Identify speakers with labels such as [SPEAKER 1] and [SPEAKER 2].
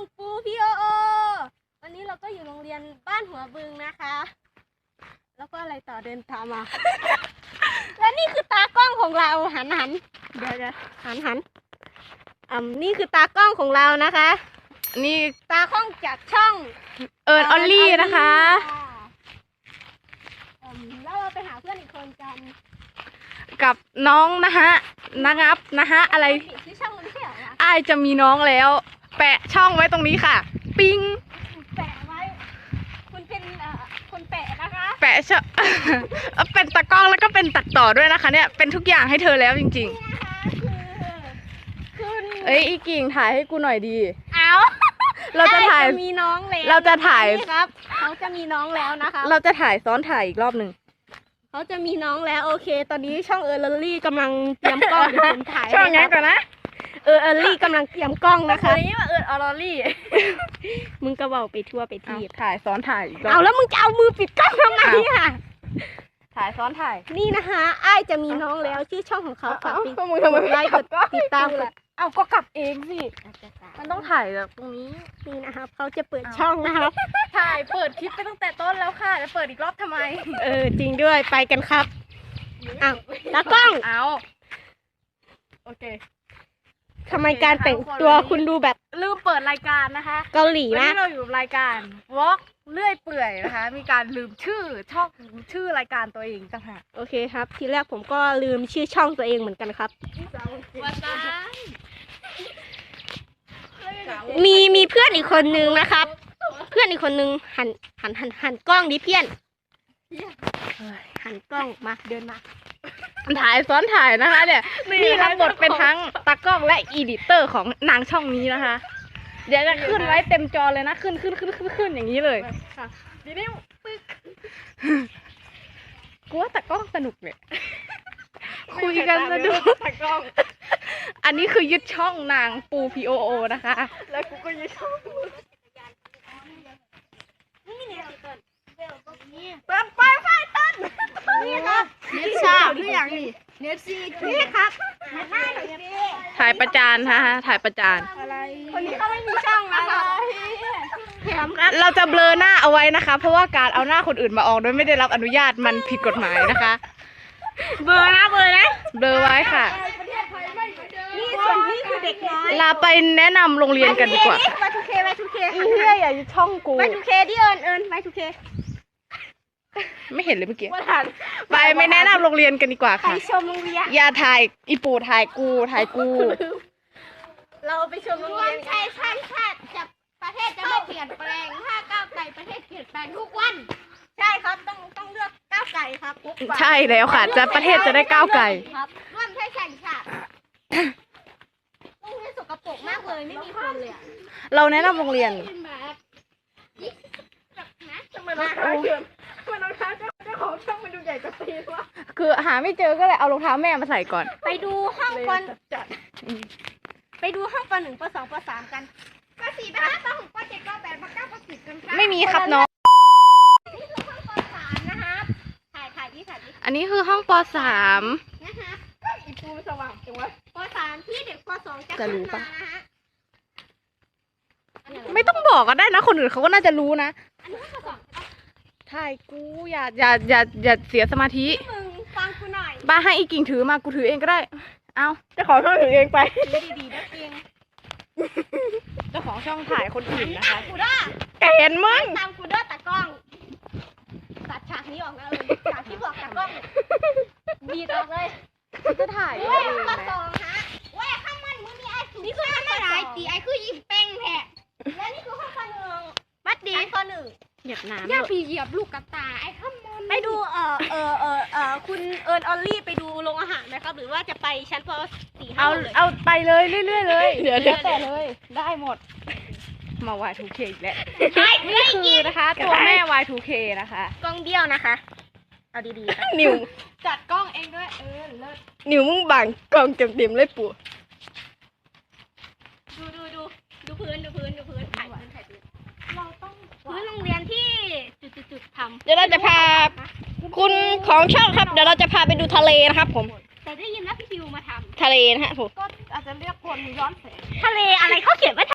[SPEAKER 1] ปูพี่โอวันนี้เราก็อยู่โรงเรียนบ้านหัวบึงนะคะ แล้วก็อะไรต่อเดินตามมา และนี่คือตากล้องของเราหันเดี๋ยวหันนี่คือตากล้องของเรานะคะ
[SPEAKER 2] นี่
[SPEAKER 1] ตากล้องจากช่อง
[SPEAKER 2] ออลลี่นะคะ
[SPEAKER 1] แล้วเราไปหาเพื่อนอีกคนกัน
[SPEAKER 2] กับน้องนะฮะอะไร
[SPEAKER 1] ชื่อช่องมันไม่ใช่เหรอวะ
[SPEAKER 2] อ้ายจะมีน้องแล้ว แปะช่องไว้ตรงนี้ค่ะ ปิ้ง
[SPEAKER 1] แปะไว้คุณเป็นคนแปะนะคะ
[SPEAKER 2] แปะช่อง เป็นตากล้องแล้วก็เป็นตัดต่อด้วยนะคะ เนี่ยเป็นทุกอย่างให้เธอแล้วจริง
[SPEAKER 1] นี่นะคะคุณ
[SPEAKER 2] ๆเอ้ยอีกิ่งถ่ายให้กูหน่อยดี
[SPEAKER 1] เอา
[SPEAKER 2] เราจะถ่าย
[SPEAKER 1] มีน้องแล้ว
[SPEAKER 2] เราจะถ่าย
[SPEAKER 1] นี่ครับเขาจะมีน้องแล้วนะคะ
[SPEAKER 2] เราจะถ่ายซ้อนถ่ายอีกรอบหนึ่ง
[SPEAKER 1] เขาจะมีน้องแล้วโอเค ตอนนี้ช่องเออร์ลี่กำลังเตรียมกล้องเดี๋ยวผมถ่าย
[SPEAKER 2] ช่อง
[SPEAKER 1] ให้
[SPEAKER 2] นี้ก่อนนะ
[SPEAKER 1] เออร์ลี่กำลังเตรียมกล้องนะคะ
[SPEAKER 2] นี้ว่าออลลี่
[SPEAKER 1] มึงก็บอกไปทั่วไปที
[SPEAKER 2] ถ่ายซ้อนถ่ายอีกรอบ
[SPEAKER 1] เอาแล้วมึงจะเอามือปิดกล้องทำไมอ่ะ
[SPEAKER 2] ถ่ายซ้อนถ่าย
[SPEAKER 1] นี่นะคะอ้ายจะมีน้องแล้วชื่อช่องของเขาฝาก
[SPEAKER 2] พวกมึงทำไม
[SPEAKER 1] กดไลค์กดติดตามกด
[SPEAKER 2] เอาก็กลับเองสิ มันต้องถ่ายแบบตรงนี้
[SPEAKER 1] นี่นะครับเขาจะเปิดช่องนะครับ
[SPEAKER 2] ถ่ายเปิดคลิปไปตั้งแต่ต้นแล้วค่ะจะเปิดอีกรอบทำไม
[SPEAKER 1] จริงด้วยไปกันครับอ้าวตากล้อง
[SPEAKER 2] เอาโอเค
[SPEAKER 1] ทำไมการแต่งตัวคุณดูแบบ
[SPEAKER 2] ลืมเปิดรายการนะคะ
[SPEAKER 1] เกาหลี
[SPEAKER 2] วัน
[SPEAKER 1] นะ
[SPEAKER 2] นี้เราอยู่กับรายการวอล์กเลื่อยเปื่อยนะคะ มีการลืมช่องชื่อรายการตัวเองต่างหาก
[SPEAKER 1] โอเคครับ ทีแรกผมก็ลืมชื่อช่องตัวเองเหมือนกันครับ
[SPEAKER 2] ว่าตา
[SPEAKER 1] มีเพื่อนอีกคนนึงนะครับ เพื่อนอีกคนนึงหันกล้องดิเพี้ยนหันกล้องมาเดินมา
[SPEAKER 2] ถ่ายซ้อนถ่ายนะคะเนี่ยนี่รับบทเป็นทั้งตากล้องและอีดิเตอร์ของนางช่องนี้นะคะ เดี๋ยวจะขึ้นไว้เต็มจอเลยนะขึ้นอย่างนี้เลยค่ะนี่ปึ๊กกูว่าตากล้องสนุกเนี่ยคุยกันสนุกตากล้อง อันนี้คือยึดช่องนางปูพีโอโอนะคะ แล้วกูก็ยึดช่องเตินไปต้น
[SPEAKER 1] นี่ครับเน็ตชาหรืออย่างนี้เน็ตซีนี่ครับ
[SPEAKER 2] ถ่ายประจานฮะถ่ายประจาน
[SPEAKER 1] คนนี้เขาไม่มีช่องนะคะแถมครับ
[SPEAKER 2] เราจะเบลอหน้าเอาไว้นะคะ เพราะว่าการเอาหน้าคนอื่นมาออกโดยไม่ได้รับอนุญาตมันผิดกฎหมายนะคะ
[SPEAKER 1] เบอร์นะ
[SPEAKER 2] เบลอไว้ค่ะ
[SPEAKER 1] นี่ส่วนนี้คือเด็กน้อย
[SPEAKER 2] ลาไปแนะนำโรงเรียนกันดีกว่า
[SPEAKER 1] ไปทูเค
[SPEAKER 2] อีเหี้ยอย่ายึดช่องกู
[SPEAKER 1] ไปทูเคดิเอิญไปทูเค
[SPEAKER 2] ไม่เห็นเลยเมื่อกี้
[SPEAKER 1] ว่าทัน
[SPEAKER 2] ไปไม่แนะนำโรงเรียนกันดีกว่า
[SPEAKER 1] ไป
[SPEAKER 2] ค่ะ
[SPEAKER 1] ชมโรงเรียน
[SPEAKER 2] อย่าถ่ายอีปูถ่ายกูถ่ายกู
[SPEAKER 1] เราไปชมโรงเรียนใช่ชาติจะประเทศจะไม่เปลี่ยนแปลงถ้าก้าวไกลประเทศเปลี่ยนแปลงทุกวัน ใช่ครับต้องเลือกก้าวไกลครับทุกวัน
[SPEAKER 2] ใช่แล้วค่ะจะประเทศจะได้ก้าวไกล
[SPEAKER 1] ครับร่วมใช้แข่งชาติโรงเรียนสกปรกมากเลยไม่มีคนเลยอะ
[SPEAKER 2] เราแนะนำโรงเรียน
[SPEAKER 1] ทำไมรองเท้าเจ้าของช่องมันดูใหญ่กว่าตีนวะ
[SPEAKER 2] คือหาไม่เจอก็เลยเอารองเท้าแม่มาใส่ก่อน
[SPEAKER 1] ไปดูห้องปไปดูห้องปหนึ่งปสองปสามกันปสี่ปห้าปหกปเจ็ดปแปดปเก้าปสิบกันค่ะ
[SPEAKER 2] ไม่มีครับน้อง
[SPEAKER 1] นี่คือห้องปสามนะครับถ่ายดิ
[SPEAKER 2] อันนี้คือห้องป .3
[SPEAKER 1] นะคะอีปูสว่างจังวะปสามที่เด็กปสองจะ
[SPEAKER 2] จะรู้
[SPEAKER 1] ขึ้น
[SPEAKER 2] ปะ
[SPEAKER 1] มานะฮะ
[SPEAKER 2] ไม่ต้องบอกก็ได้นะ คนอื่นเขาก็น่าจะรู้นะ
[SPEAKER 1] อันนี้ห้องปสอง
[SPEAKER 2] ถ่ายกูอย่าเสียสมาธิ
[SPEAKER 1] มึงฟังกูหน่อย
[SPEAKER 2] บ้าให้อีกิ่งถือมากูถือเองก็ได้ เอาเจ้าของช่องถือเองไป
[SPEAKER 1] ดีๆนะเพียง
[SPEAKER 2] เจ้าของช่องถ่ายคนอื่นนะคะ
[SPEAKER 1] กูด้า
[SPEAKER 2] เห็นมึง
[SPEAKER 1] ตามกูด้าตากล้องตัดฉากนี้ออกนะฉากที่บอกตากล้องบีดออกเลย
[SPEAKER 2] จะถ่าย
[SPEAKER 1] เว้ยห้องปสองฮะเว้ยข้างมันมึงมีไอ้สูงนี่คือห้องอะไรตีไอ้คือยิ้มเป้งแท้และนี่คือห้องปหนึ่งบัดดีปหนึ่ง
[SPEAKER 2] เหยียบน้ำ
[SPEAKER 1] ย่าพี่เหยียบลูกกระตายไอ้ข้ามนไปดูคุณเอิญออลลี่ไปดูโรงอาหารไหมครับ หรือว่าจะไปชั้นป .4
[SPEAKER 2] เอาไปเลยเรื่อยๆเลย
[SPEAKER 1] เดี๋ยว
[SPEAKER 2] แต่เลย ได้หมด มา Y2K อีกแล้วนี่คือนะคะ ตัวแม่ Y2K นะคะ
[SPEAKER 1] กล้องเบี้ยวนะคะ เอาดีๆ
[SPEAKER 2] นิว
[SPEAKER 1] จัดกล้องเองด้วยเลิศ
[SPEAKER 2] นิวมึงบังกล้องเต็มเลยปู่
[SPEAKER 1] ดูพื้นถ่ายพื้นเราต้องพื้นโรงเรียนที่จุดทำ
[SPEAKER 2] เดี๋ยวเราจะพาคุณของช่องครับ เดี๋ยวเราจะพาไปดูทะเลนะครับผม
[SPEAKER 1] แต่ได้ยินว่าพี่ทิวมาทำ
[SPEAKER 2] ทะเลนะฮะผม
[SPEAKER 1] ก็อาจจะเรียกคนย้อนแสงทะเลอะไรเขาเขียนว่า